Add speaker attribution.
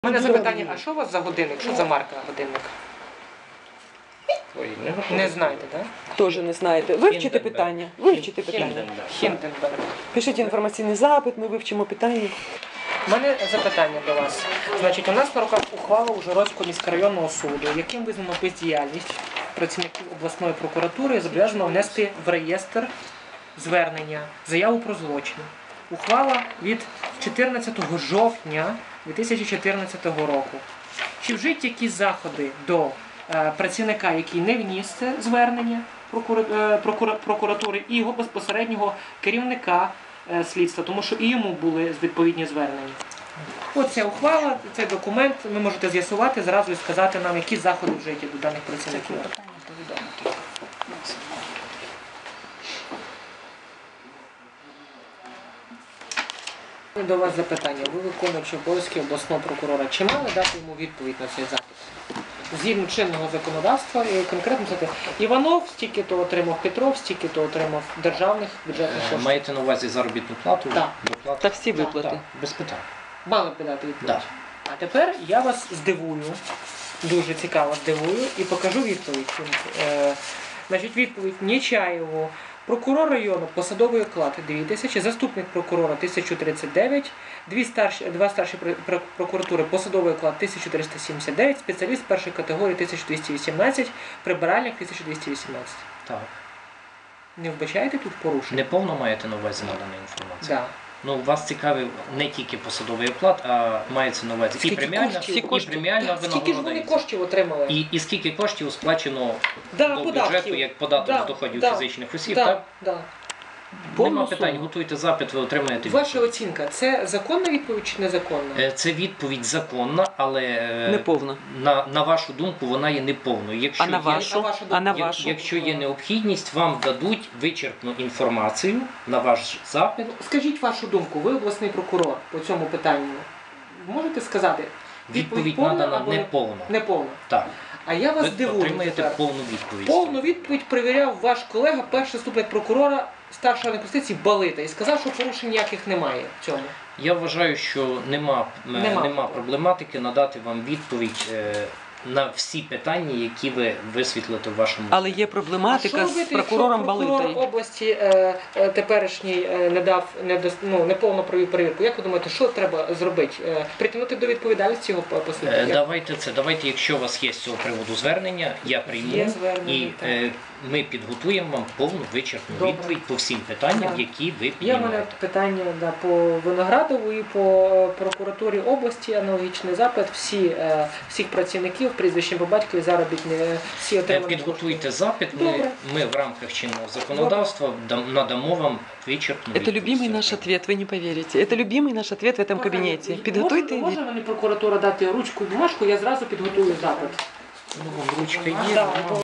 Speaker 1: У мене запитання, а що у вас за годинник? Що за марка годинника?
Speaker 2: Ой,
Speaker 1: Не знаєте, так?
Speaker 3: Теж не знаєте. Вивчите питання. Вивчите питання.
Speaker 1: Хінденберг.
Speaker 3: Пишіть інформаційний запит, ми вивчимо питання.
Speaker 1: У мене запитання до вас. Значить, у нас на руках ухвала Ужгородського міськрайонного суду, яким визнано бездіяльність працівників обласної прокуратури, зобов'язано внести в реєстр звернення, заяву про злочин. Ухвала від 14 жовтня 2014 року. Чи вжиті якісь заходи до працівника, який не вніс це звернення прокуратури, і його безпосереднього керівника слідства, тому що і йому були відповідні звернення. Ось ця ухвала, цей документ, ви можете з'ясувати зразу і сказати нам, які заходи вжиті до даних працівників. До вас запитання. Ви виконуючи обов'язки обласного прокурора. Чи мали дати йому відповідь на цей запит? Згідно чинного законодавства, і конкретно це Іванов стільки-то отримав, Петров стільки-то отримав державних бюджетних коштів.
Speaker 2: Маєте на увазі заробітну плату?
Speaker 1: Так.
Speaker 3: Та всі виплати.
Speaker 2: Так, без питань.
Speaker 1: Мали б дати відповідь.
Speaker 2: Так.
Speaker 1: А тепер я вас здивую, дуже цікаво здивую, і покажу відповідь. Значить, відповідь Нечаєву. Прокурор району посадовий оклад 2000, заступник прокурора 1039, два старші прокуратури посадовий оклад 1379, спеціаліст першої категорії 1218, прибиральник 1218.
Speaker 2: Так.
Speaker 1: Не вбачаєте тут порушення?
Speaker 2: Неповно маєте на увазі надана інформація?
Speaker 1: Да.
Speaker 2: Ну, вас цікавив не тільки посадовий оклад, а мається на увазі і преміальна, і преміальна
Speaker 1: Скільки ж вони
Speaker 2: винагорода.
Speaker 1: коштів отримали?
Speaker 2: І скільки коштів сплачено
Speaker 1: Да,
Speaker 2: до
Speaker 1: податків.
Speaker 2: бюджету як податок з доходів фізичних осіб, так?
Speaker 1: Да.
Speaker 2: Нема питань, готуйте запит, ви отримаєте
Speaker 1: Ваша
Speaker 2: відповідь.
Speaker 1: оцінка, це законна відповідь чи незаконна?
Speaker 2: Це відповідь законна, але
Speaker 3: Неповна.
Speaker 2: на вашу думку вона є неповною. Якщо
Speaker 3: А на
Speaker 2: є-
Speaker 3: вашу? А на вашу?
Speaker 2: Якщо є необхідність, вам дадуть вичерпну інформацію на ваш запит.
Speaker 1: Скажіть вашу думку, ви обласний прокурор по цьому питанню. Можете сказати?
Speaker 2: Відповідь
Speaker 1: повна
Speaker 2: надана
Speaker 1: або
Speaker 2: неповна.
Speaker 1: неповна.
Speaker 2: Так.
Speaker 1: А я вас
Speaker 2: Ви
Speaker 1: дивую
Speaker 2: отримаєте
Speaker 1: тепер.
Speaker 2: повну відповідь.
Speaker 1: Повну відповідь перевіряв ваш колега, перший заступник прокурора старшої юстиції Балита, і сказав, що порушень ніяких немає в цьому.
Speaker 2: Я вважаю, що нема проблематики надати вам відповідь на всі питання, які ви висвітлите в вашому.
Speaker 3: Але є
Speaker 1: А
Speaker 3: проблематика
Speaker 1: що
Speaker 3: з
Speaker 1: робити,
Speaker 3: прокурором
Speaker 1: якщо прокурор
Speaker 3: Балитою.
Speaker 1: області теперішній неповно провів перевірку? Як ви думаєте, що треба зробити? Притягнути до відповідальності його послідовно?
Speaker 2: Давайте, якщо у вас є з цього приводу звернення, я прийму
Speaker 1: Є звернення,
Speaker 2: і
Speaker 1: так.
Speaker 2: ми підготуємо вам повну вичерпну
Speaker 1: Добре.
Speaker 2: відповідь по всім питанням,
Speaker 1: Так.
Speaker 2: які ви
Speaker 1: Є в мене
Speaker 2: піднімаєте.
Speaker 1: питання по Виноградову і по прокуратурі області, аналогічний запит. Всіх працівників, прізвищем по батькові, заробітні, всі отримані.
Speaker 2: Підготуйте запит,
Speaker 1: Добре.
Speaker 2: ми в рамках чинного законодавства надамо вам вичерпну
Speaker 3: Это
Speaker 2: відповідь.
Speaker 3: любимый наш ответ, вы не поверите. Это любимый наш ответ в этом кабинете. Підготуйте.
Speaker 1: Може мені прокуратура дати ручку і бумажку, я зразу підготую запит.
Speaker 2: Ну, ручка є.
Speaker 1: Да,